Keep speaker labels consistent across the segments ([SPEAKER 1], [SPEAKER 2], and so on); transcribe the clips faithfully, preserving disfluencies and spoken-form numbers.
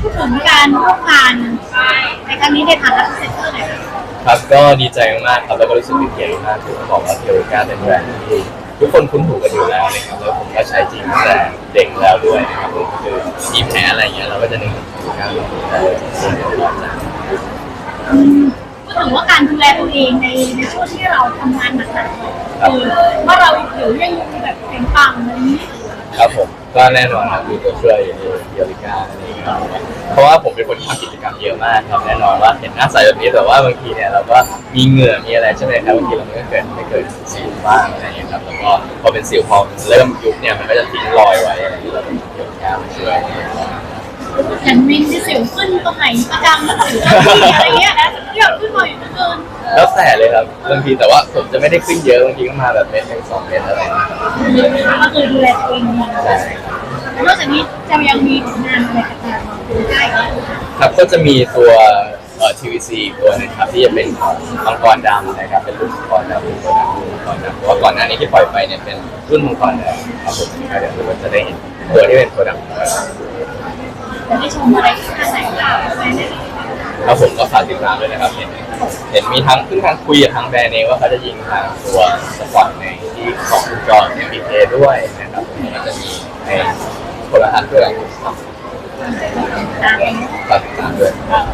[SPEAKER 1] พูดถึงการร่วมงานในครั้งนี้ในฐานะพรีเซนเตอร์หน่อยค่ะ
[SPEAKER 2] ครับก็ดีใจมากครับแล้วก็รู้สึกเป็นเกียรติมากที่ต้องบอกว่าเทโรกาเป็นแบรนด์ที่ทุกคนคุ้นหูกันอยู่แล้วนะครับแล้วผมก็ใช้จริงตั้งแต่เด็กแล้วด้วยนะครับผมคือมีแผลอะไรเงี้ยเราก็จะนึกถึงเทโรกาแต่จริงๆเราจะ
[SPEAKER 1] พูดถึงว่าการดูแลตัวเองในในช่วงที่เราทำงานหนักๆคือว่าเราหรือยังแบบเป็นปังอะไรนี้
[SPEAKER 2] ครับผมก็แน่นอนครับมีตัวช่วยอย่างเดียริก้าอะไรอย่างเงี้ยครับเพราะว่าผมเป็นคนที่ทำกิจกรรมเยอะมากครับแน่นอนว่าเห็นหน้าใสแบบนี้แต่ว่าบางทีเนี่ยเราก็มีเหงื่อมีอะไรใช่ไหมครับบางทีเราไม่เกิดไม่เกิดสิวบ้างอะไรอย่างเงี้ยครับแล้วก็พอเป็นสิวพอเริ่มยุบเนี่ยมันก็จะทิ้งรอยไว้อะไรอย่างเงี้ยเราเป็นเดียริก้ามาช่วย
[SPEAKER 1] อย่างวินที่สิวขึ้นตรงไหนประจำแล้วสิวอะไรเงี้ยนะที่แบบขึ้นมาอยู่เกิน
[SPEAKER 2] แล้วแต่เลยครับบางทีแต่ว่าผมจะไม่ได้ขึ้นเยอะบางทีก็มาแบบเม็ดหนึ่งสองเม็ดอะไรอย่างเงี้ย
[SPEAKER 1] ก็คือดูแลตัวเองดีใช่นอกจากนี้จะยังมีผลงานอะไรต่างๆได้
[SPEAKER 2] ครับก็จะมีตัวเอ่อ ที วี ซี ตัวนึงครับที่จะเป็นมังกรดำนะครับเป็นรุ่นมังกรดำเป็นตัวดำรุ่นมังกรดำเพราะว่าก่อนหน้านี้ที่ปล่อยไปเนี่ยเป็นรุ่นมังกรแดงครับผมเดี๋ยวทุกคนจะได้เห็นตัวที่เป็นตัวดำ
[SPEAKER 1] จะได้ชมอะไรที่ไหนบ้าง
[SPEAKER 2] แล้วผมก็ฝากติดตามด้วยนะครับเห็นเห็นมีทั้งขึ้นทางคุยกับทางแบรนด์เองว่าเขาจะยิงทางตัวสปอร์ตในที่ของคุณจอห์นเนี่ยมีเพย์ด้วยนะครับมันจะมีในโทรทัศน์ด้วยครับฝากติดตามด้วย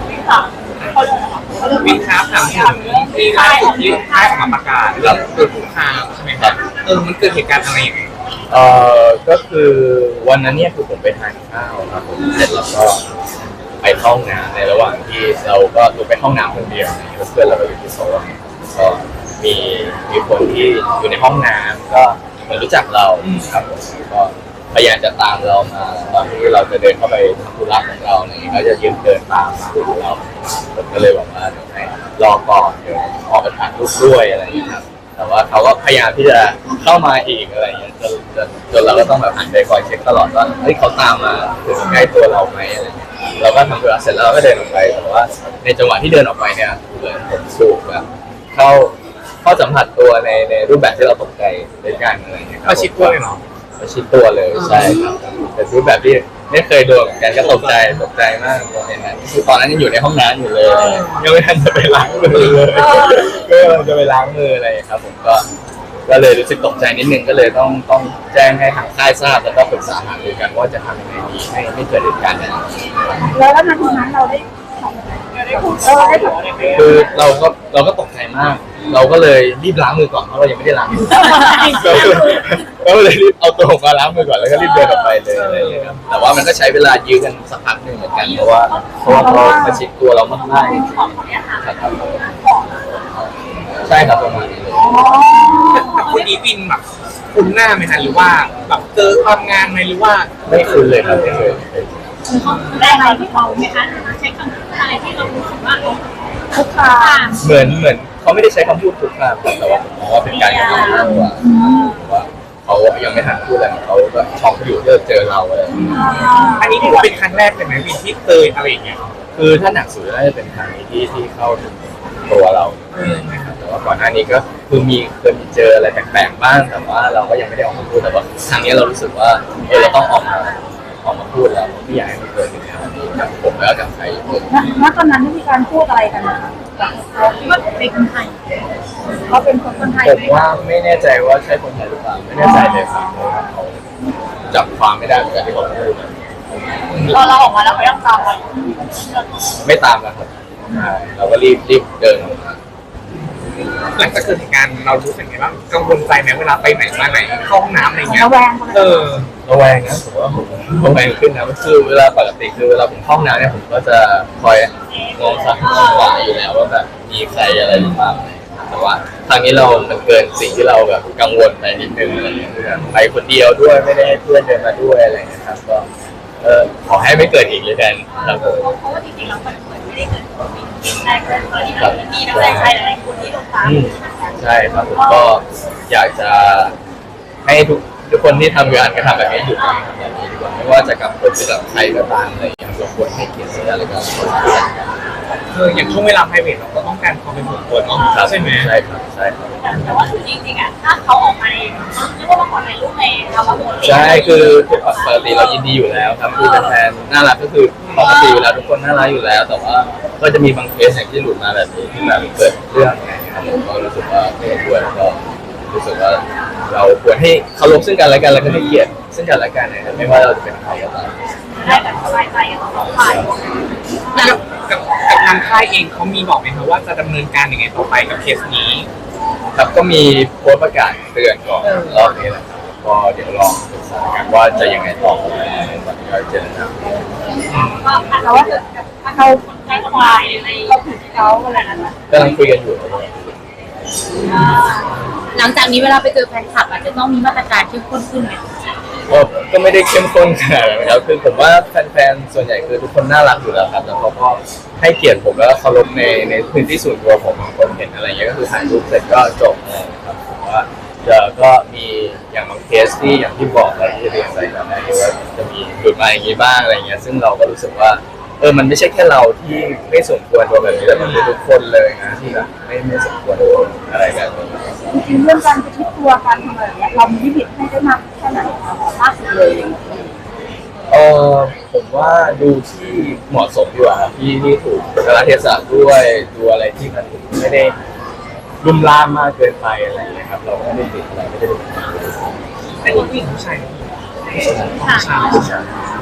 [SPEAKER 3] วินครับถามถึงที่ล่าสุดที่ค่ายออกมาประกาศเรื่องเกิดคุกคามใช่ไหมครับเออมันเกิดเหตุการณ์อะไรอย่างเงี้ย
[SPEAKER 2] เอ่อก็คือวันนั้นเนี่ยคือผมไปทานข้าวครับผมเสร็จแล้วก็ไปเข้าห้องน้ำในระหว่างที่เราก็ลงไปห้องน้ำคนเดียวแล้วเพื่อนเราก็อยู่ที่โซนก็มีมีคนที่อยู่ในห้องน้ำก็เหมือนรู้จักเราครับผมก็พยายามจะตามเรามาตอนที่เราจะเดินเข้าไปทำธุระของเราเนี่ยเขาจะยืนเดินตามมาหาเราผมก็เลยบอกว่าเดี๋ยวให้รอก่อนเดี๋ยวออกไปถ่ายรูปด้วยอะไรอย่างเงี้ยครับแต่ว่าเขาก็พยายามที่จะเข้ามาอีกอะไรอย่างเงี้ยจนจนจนเราก็ต้องแบบหันไปคอยเช็คตลอดว่าเฮ้ยเขาตามมาถึงใกล้ตัวเราไหมอะไรเงี้ยเราก็ทำธุระเสร็จแล้วเราก็เดินออกไปแต่ว่าในจังหวะที่เดินออกไปเนี่ยเหมือนผมสูบแบบเข้าเข้าสัมผัสตัวในในรูปแบบที่เราตกใจด้วยกันอะไรเงี้ย
[SPEAKER 3] ประชิดตัวเลยเหรอ
[SPEAKER 2] ประชิดตัวเลยใช่ครับเป็นรูปแบบที่ไม่เคยโดนเหมือนกันก็ตกใจตกใจมากตอนนั้นคือตอนนั้นยังอยู่ในห้องน้ำอยู่เลยยังไม่ทันจะไปล้างมือเลยก็จะไปล้างมืออะไรครับผมก็ก็เลยรู้สึกตกใจนิดนึงก็เลยต้องต้องแจ้งให้ทางค่ายทราบแล้วก็ปรึกษาหารือกันว่าจะทำยังไงดีให้ไม่เกิดเหตุการณ์แบบนี้
[SPEAKER 1] แล้วแล้วนาทีนั้นเราได้ได้พูดเออได้พูด
[SPEAKER 2] คือเราก็เราก็ตกใจมากเราก็เลยรีบล้างมือก่อนเพราะเรายังไม่ได้ล้างมือก็เลยรีบเอาตัวมาล้างมือก่อนแล้วก็รีบเดินออกไปเลยอะไรอย่างเงี้ยครับแต่ว่ามันก็ใช้เวลายื้อกันสักพักหนึ่งเหมือนกันเพราะว่าเพราะว่าเขาประชิดตัวเรามากๆจริงๆครับใช่ครับประมาณนี้เลย
[SPEAKER 3] แต่คนนี้วินแบบคุ้นหน้าไหมคะหรือว่าแบบเจอความงานไหมหรือว่า
[SPEAKER 2] ไม่คุ้นเลยครับไม่เคย
[SPEAKER 1] เขาได้อะไรที่เขาไหมคะใช้คำพูดอะไรที่เรารู้สึกว่าเขาคุกคาม
[SPEAKER 2] เหมือนเหมือนเขาไม่ได้ใช้คำพูดคุกคามแต่ว่าผมมองว่าเป็นการกระทำมากกว่าว่าเขายังไม่ทันพูดอะไรเขาก็ช็อกอยู่ที่เจอเราอะไร
[SPEAKER 3] อันนี้ถือว่าเป็นครั้งแรกเลยไหมวินที่เจออะไรอย่างเงี้ย
[SPEAKER 2] คือถ้าหนักสุดน่าจะเป็นครั้งนี้ที่ที่เข้าถึงตัวเรานะครับแต่ว่าก่อนหน้านี้ก็คือมีเคยมีเจออะไรแปลกๆบ้างแต่ว่าเราก็ยังไม่ได้ออกมาพูดแต่ว่าครั้งนี้เรารู้สึกว่าเออเราต้องออกมาออกมาพูดแล้วไม่อยากให้มันเกิดอย่างนี้กับผมแล้วกับใครเลย
[SPEAKER 1] ณตอนนั้นมีการพูดอะไรกันนะคะเขาว่าเป็นคนไทยเขาเป็นคนไทย
[SPEAKER 2] ผมว่าไม่แน่ใจว่าใช่คนไทยหรือเปล่าไม่แน่ใจเลยครับเพราะว่าเขาจับความไม่ได้เหมือนกันที่เขาพูด
[SPEAKER 1] พอเราออกมาแล้วเขายังตามเรา
[SPEAKER 2] ไม่ตามแล้วครับเราก็รีบรีบเดินออกมา
[SPEAKER 3] หลังจากเกิดเหตุการณ์เรารู้สึกไงบ้างกังวลใจไหมเวลาไปไหนมาไหนเข้าห้องน้ำอะไรเงี้ย
[SPEAKER 1] ระแวง
[SPEAKER 3] เออ
[SPEAKER 2] ระแวงนะผมว่าผมระแวงขึ้นนะคือเวลาปกติคือเวลาผมเข้าห้องน้ำเนี่ยผมก็จะคอยมองซ้ายมองขวาอยู่แล้วว่าแบบมีใครอะไรหรือเปล่าแต่ว่าครั้งนี้เรามันเกินสิ่งที่เราแบบกังวลไปนิดนึงอะไรอย่างเงี้ยไปคนเดียวด้วยไม่ได้ให้เพื่อนเดินมาด้วยอะไรอย่างเงี้ยครับก็เออขอให้ไม่เกิดอีกเลยกันครับผม
[SPEAKER 1] เพราะว่าจริงๆเราไม่ได้เกิดแต่เกิดตอนนี้เรามีนักแสดงชายหลายคนที่ลงตาม
[SPEAKER 2] ใช่ครับผมก็อยากจะให้ทุกทุกคนที่ทำงานกระทำแบบนี้หยุดทำแบบนี้ดีกว่าไม่ว่าจะกับคนหรือกับใครก็ตามอะไรอย่างเงี้ยเราควรให้เกียรติซึ่งกันและกัน
[SPEAKER 3] คืออย่างช่วงเวลา private เราก็ต้องการความเป็นส่วนตัวเนาะใช่ไหม
[SPEAKER 2] ใช่ครับใช่ครับ
[SPEAKER 1] แต่ว่าคือจริงๆอ่ะถ้าเขาออกมาเองไม่ว่ามาขอถ่ายรูปในเอามาโพส
[SPEAKER 2] ใช่คือปกติเรายินดีอยู่แล้วครับคือแฟนน่ารักก็คือปกติเวลาทุกคนน่ารักอยู่แล้ว แต่ว่าก็จะมีบางเคสอย่างที่หลุดมาแบบนี้ที่แบบเกิดเรื่องอะไรอย่างเงี้ยครับผมก็รู้สึกว่าไม่เห็นด้วยแล้วก็รู้สึกว่าเราควรให้เคารพซึ่งกันและกันแล้วก็ให้เกียรติซึ่งกันและกันนะครับไม่ว่าเราจะเป็นใครก็ตาม
[SPEAKER 1] ได้แบบสบายใจกันทั้งสองฝ่าย
[SPEAKER 3] กับกับกับทางค่ายเองเขามีบอกไหมครับว่าจะดำเนินการยังไงต่อไปกับเคสนี้
[SPEAKER 2] ครับก็มีโพสต์ประกาศเตือนก่อนรอบนี้แหละครับก็เดี๋ยวลองศึกษากันว่าจะยังไงต่อไปตอนนี้ก็เจรจา
[SPEAKER 1] ก็อาจจะว่าเขาใช้ควายในเราถูกเขาอะไรนั้นนะ
[SPEAKER 2] กำลังคุยกันอยู่
[SPEAKER 4] หลังจากนี้เวลาไปเจอแฟนคลับอาจจะต้องมีมาตรการเข้มข้นขึ้นไหม
[SPEAKER 2] ก็ก็ไม่ได้เข้มข้นขนาดนั้นครับคือผมว่าแฟนๆส่วนใหญ่คือทุกคนน่ารักอยู่แล้วครับแล้วเขาก็ให้เกียรติผมแล้วก็เคารพในในพื้นที่ส่วนตัวผมคนเห็นอะไรเงี้ยก็คือถ่ายรูปเสร็จก็จบเลยครับผมว่าจะก็มีอย่างบางเคสที่อย่างที่บอกอะไรที่เรียนไปแบบนี้ว่าจะมีหลุดมาอย่างนี้บ้างอะไรเงี้ยซึ่งเราก็รู้สึกว่าเออมันไม่ใช่แค่เราที่ไม่สมควรโดนแบบนี้แต่มันเป็นทุกคนเลยนะที่แบบไม่ไม่สมควรโดนอะไรแบบนี้
[SPEAKER 5] จริงๆเรื่องการไปคิดตัวการทำอะไรเนี่ยเรามีลิมิตให้ได้มากแค่ไหนคะมากสุดเลย
[SPEAKER 2] เออผมว่าดูที่เหมาะสมดีกว่าครับที่ที่ถูกกาลเทศะด้วยดูอะไรที่มันไม่ได้ลุ่มล่ามมากเกินไปอะไรอย่างเงี้ยครับเราไม่ได้ติดอะไรไม่ได้ติด
[SPEAKER 3] เป็นผู้หญิงผู้ชาย
[SPEAKER 1] ค่ะ
[SPEAKER 3] ชาย
[SPEAKER 2] ผู้ชาย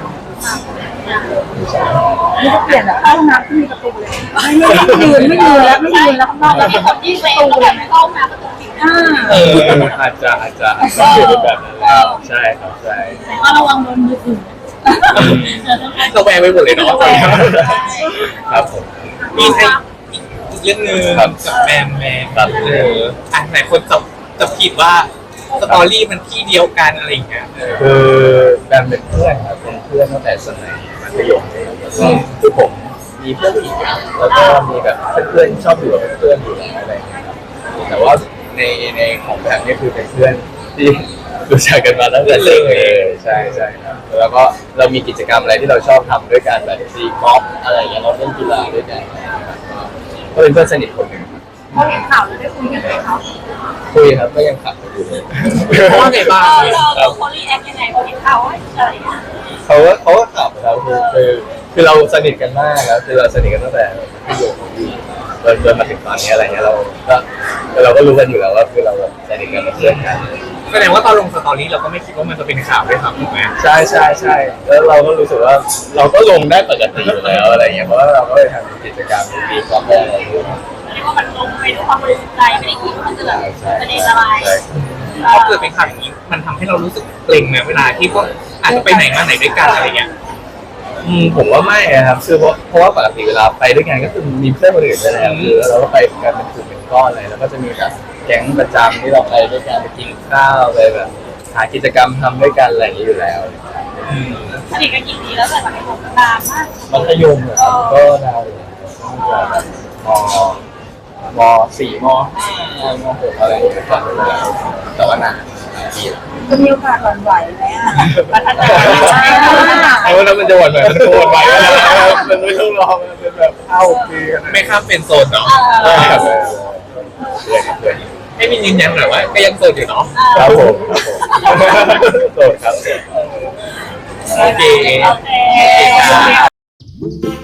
[SPEAKER 5] นี่ก็เปลี่ยนแบบเข้าห้องน้ำที่มีประตูเลยไม่ไม่ยืนไม่ยืนแล้วไม่ยืนแล้วข้างนอก
[SPEAKER 1] แล้
[SPEAKER 5] แล้ว ว
[SPEAKER 1] มีคนที่เฟซก็แบบเข้ามาประตูปิด
[SPEAKER 5] อ่า
[SPEAKER 2] เอออาจจะอาจจะอาจจะเป็นแบบนั้นแล้วใช่ครับใช่
[SPEAKER 1] แต่ว่าระวังโดนมือถือ
[SPEAKER 3] เราแวงไปหมดเลยเนาะ
[SPEAKER 2] ครับผม
[SPEAKER 3] มีใครอีกเรื่องหนึ่ง
[SPEAKER 2] ครับ
[SPEAKER 3] กับแมมแมม
[SPEAKER 2] ครับ
[SPEAKER 3] เอออ่ะไหนคนจะจะผิดว่าสตอรี่มันที่เดียวกันอะไรอย่างเงี้ยเออ
[SPEAKER 2] คือแบมเป็นเพื่อนครับเป็นเพื่อนตั้งแต่สมัยมัธยมเลยครับแล้วก็คือผมมีเพื่อนผู้หญิงครับแล้วก็มีแบบเพื่อนๆชอบอยู่กับเพื่อนๆอยู่แล้วอะไรอย่างเงี้ยครับแต่ว่าในในของแบมนี่คือเป็นเพื่อนที่รู้จักกันมาตั้งแต่เด็กเลยใช่ใช่ครับแล้วก็เรามีกิจกรรมอะไรที่เราชอบทำด้วยกันแบบตีกอล์ฟอะไรอย่างเงี้ยเราเล่นกีฬาด้วยกันนะครับก็เป็นเพื่อนสนิทคนหนึ่งครับ
[SPEAKER 1] พอเห็นข่าวแล้วได้คุยกันไหมคะ
[SPEAKER 2] คุยครับก็ยังขับกันอยู่เลย
[SPEAKER 3] ว่าไงบ้าง
[SPEAKER 1] เราเราเขารีแอคยังไงพอเห็นข่าวว่าอะไรอย่างเงี้ย
[SPEAKER 2] เขาก็เขาก็ขับครับคือคือคือเราสนิทกันมากแล้วคือเราสนิทกันตั้งแต่ที่อยู่จนจนมาถึงตอนนี้อะไรเงี้ยเราก็เราก็รู้กันอยู่แล้วว่าคือเราแบบสนิทกันเป็นเพื่อนกัน
[SPEAKER 3] แสดงว่าตอนลงสตอรี่เราก็ไม่คิดว่ามันจะเป็นข่าวด้วยครับถูกไหม
[SPEAKER 2] ใช่ใช่ใช่แล้วเราก็รู้สึกว่าเราก็ลงได้ปกติอยู่แล้วอะไรเงี้ยเพราะว่าเราก็ไปทำกิจกรรมดีๆก็ได้อะไรด้วย
[SPEAKER 1] เรียกว่ามันลงไปด้วยความบริสุทธิ์ใจไม่ได้คิดว่ามันจะแบบ
[SPEAKER 2] ใช่
[SPEAKER 1] ประเด็นอะไร
[SPEAKER 2] ใช่
[SPEAKER 3] พอเกิดเป็นข่าวอย่างนี้มันทำให้เรารู้สึกเกรงไหมเวลาที่พวกอาจจะไปไหนมาไหนด้วยกันอะไรเงี้ย
[SPEAKER 2] อืมผมว่าไม่นะครับคือเพราะเพราะว่าปกติเวลาไปด้วยกันก็คือมีเพื่อนคนอื่นไปแล้วคือเราก็ไปกันเป็นกลุ่มเป็นก้อนเลยแล้วก็จะมีแบบแก๊งประจำที่เราไปด้วยกันไปกินข้าวไปแบบหากิจกรรมทำด้วยกันอะไรอย่างนี้อยู่แล้ว
[SPEAKER 3] อืม
[SPEAKER 1] สนิทกันกี่ปีแล้วแต่สมัยผมนานมาก
[SPEAKER 2] มัธยมเหรอครับก็นานอยู่ตั้งแต่แบบมมสี่มห้ามหกอะไรอย่างเงี้ยก่อนไปแล้วแต่ว่านานหลายปีแล้ว
[SPEAKER 5] จะมีโอกาสหวั่นไหวไหมอ่ะ
[SPEAKER 1] พัฒนา
[SPEAKER 2] เอาแล้วมันจะหวั่นไหวมันโกรธไหวมันไม่ต้องรอมันเป็นแบบเข้าปีกัน
[SPEAKER 3] ไม่ข้ามเป็นโซนเนาะ
[SPEAKER 2] เพื่อนครับเพื่อนครับเพื่อน
[SPEAKER 3] ให้มินยืนยันหน่อยว่าก็ยังโซนอยู่เนาะ
[SPEAKER 2] ครับผมครับผมโสดครับ
[SPEAKER 3] โอเค
[SPEAKER 1] โอเค